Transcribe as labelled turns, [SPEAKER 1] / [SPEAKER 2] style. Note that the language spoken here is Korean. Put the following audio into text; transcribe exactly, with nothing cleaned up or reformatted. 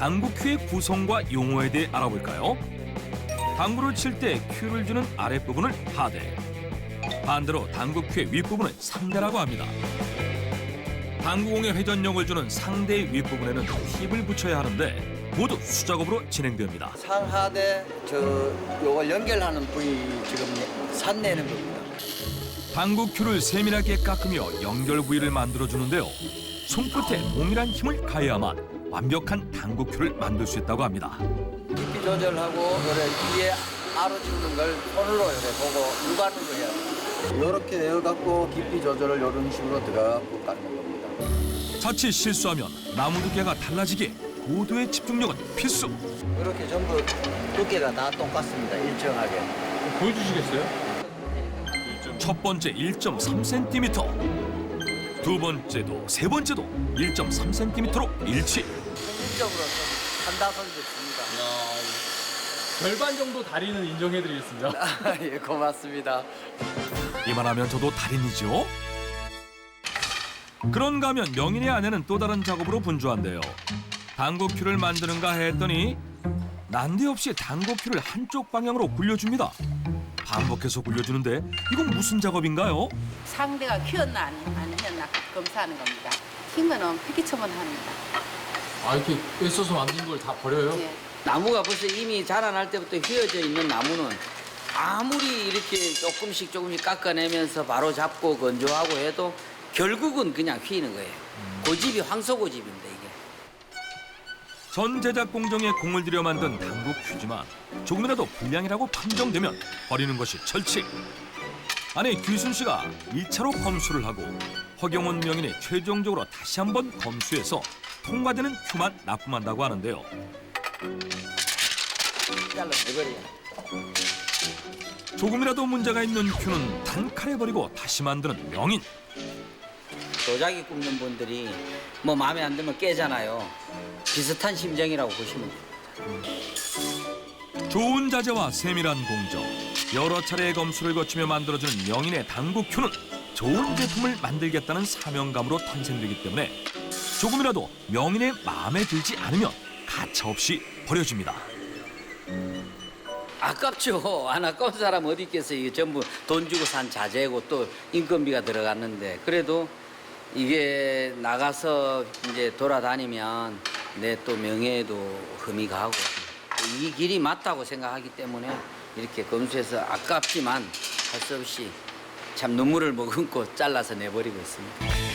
[SPEAKER 1] 당구큐의 구성과 용어에 대해 알아볼까요? 당구를 칠 때 큐를 주는 아랫부분을 하대, 반대로 당구큐의 윗부분을 상대라고 합니다. 당구공의 회전력을 주는 상대의 윗부분에는 팁을 붙여야 하는데 모두 수작업으로 진행됩니다.
[SPEAKER 2] 상하대 저 요걸 연결하는 부위 지금 산내는 겁니다.
[SPEAKER 1] 당구큐를 세밀하게 깎으며 연결 부위를 만들어주는데요. 손끝에 동일한 힘을 가해야만 완벽한 당구큐를 만들 수 있다고 합니다.
[SPEAKER 2] 깊이 조절하고 요래 위에 알아 지우는 걸 손으로 이렇게 보고 육안으로 해야 돼요. 요렇게 내어갖고 깊이 조절을 이런 식으로 들어가고 깎는 겁니다.
[SPEAKER 1] 자칫 실수하면 나무 두께가 달라지기에 고도의 집중력은 필수.
[SPEAKER 2] 이렇게 전부 두께가 다 똑같습니다. 일정하게.
[SPEAKER 3] 보여주시겠어요?
[SPEAKER 1] 첫 번째 일 점 삼 센티미터, 두 번째도 세 번째도 일 점 삼 센티미터로 일치.
[SPEAKER 2] 평균적으로 한다선 좋습니다.
[SPEAKER 3] 절반 정도 다리는 인정해드리겠습니다.
[SPEAKER 2] 예, 고맙습니다.
[SPEAKER 1] 이만하면 저도 달인이죠. 그런가 하면 명인의 아내는 또 다른 작업으로 분주한데요. 당구큐를 만드는가 했더니 난데없이 당구큐를 한쪽 방향으로 굴려줍니다. 반복해서 굴려주는데 이건 무슨 작업인가요?
[SPEAKER 4] 상대가 휘었나 안, 안 휘었나 검사하는 겁니다. 흰 거는 폐기처분 합니다.
[SPEAKER 3] 아, 이렇게 애써서 만든 걸 다 버려요?
[SPEAKER 4] 예.
[SPEAKER 5] 나무가 벌써 이미 자라날 때부터 휘어져 있는 나무는 아무리 이렇게 조금씩 조금씩 깎아내면서 바로 잡고 건조하고 해도 결국은 그냥 휘는 거예요. 고집이 황소고집입니다, 이게.
[SPEAKER 1] 전 제작 공정에 공을 들여 만든 당구큐지만 조금이라도 불량이라고 판정되면 버리는 것이 철칙. 아내 규순 씨가 일 차로 검수를 하고 허경원 명인이 최종적으로 다시 한번 검수해서 통과되는 큐만 납품한다고 하는데요.
[SPEAKER 5] 잘라내버려요.
[SPEAKER 1] 조금이라도 문제가 있는 큐는 단칼에 버리고 다시 만드는 명인.
[SPEAKER 5] 도자기 굽는 분들이 뭐 마음에 안 들면 깨잖아요. 비슷한 심정이라고 보시면 돼요.
[SPEAKER 1] 좋은 자재와 세밀한 공정, 여러 차례의 검수를 거치며 만들어지는 명인의 당구큐는 좋은 제품을 만들겠다는 사명감으로 탄생되기 때문에 조금이라도 명인의 마음에 들지 않으면 가차없이 버려집니다.
[SPEAKER 5] 아깝죠. 안 아까운 사람 어디 있겠어요. 이게 전부 돈 주고 산 자재고 또 인건비가 들어갔는데 그래도 이게 나가서 이제 돌아다니면 내 또 명예에도 흠이 가고 이 길이 맞다고 생각하기 때문에 이렇게 검수해서 아깝지만 할 수 없이 참 눈물을 머금고 잘라서 내버리고 있습니다.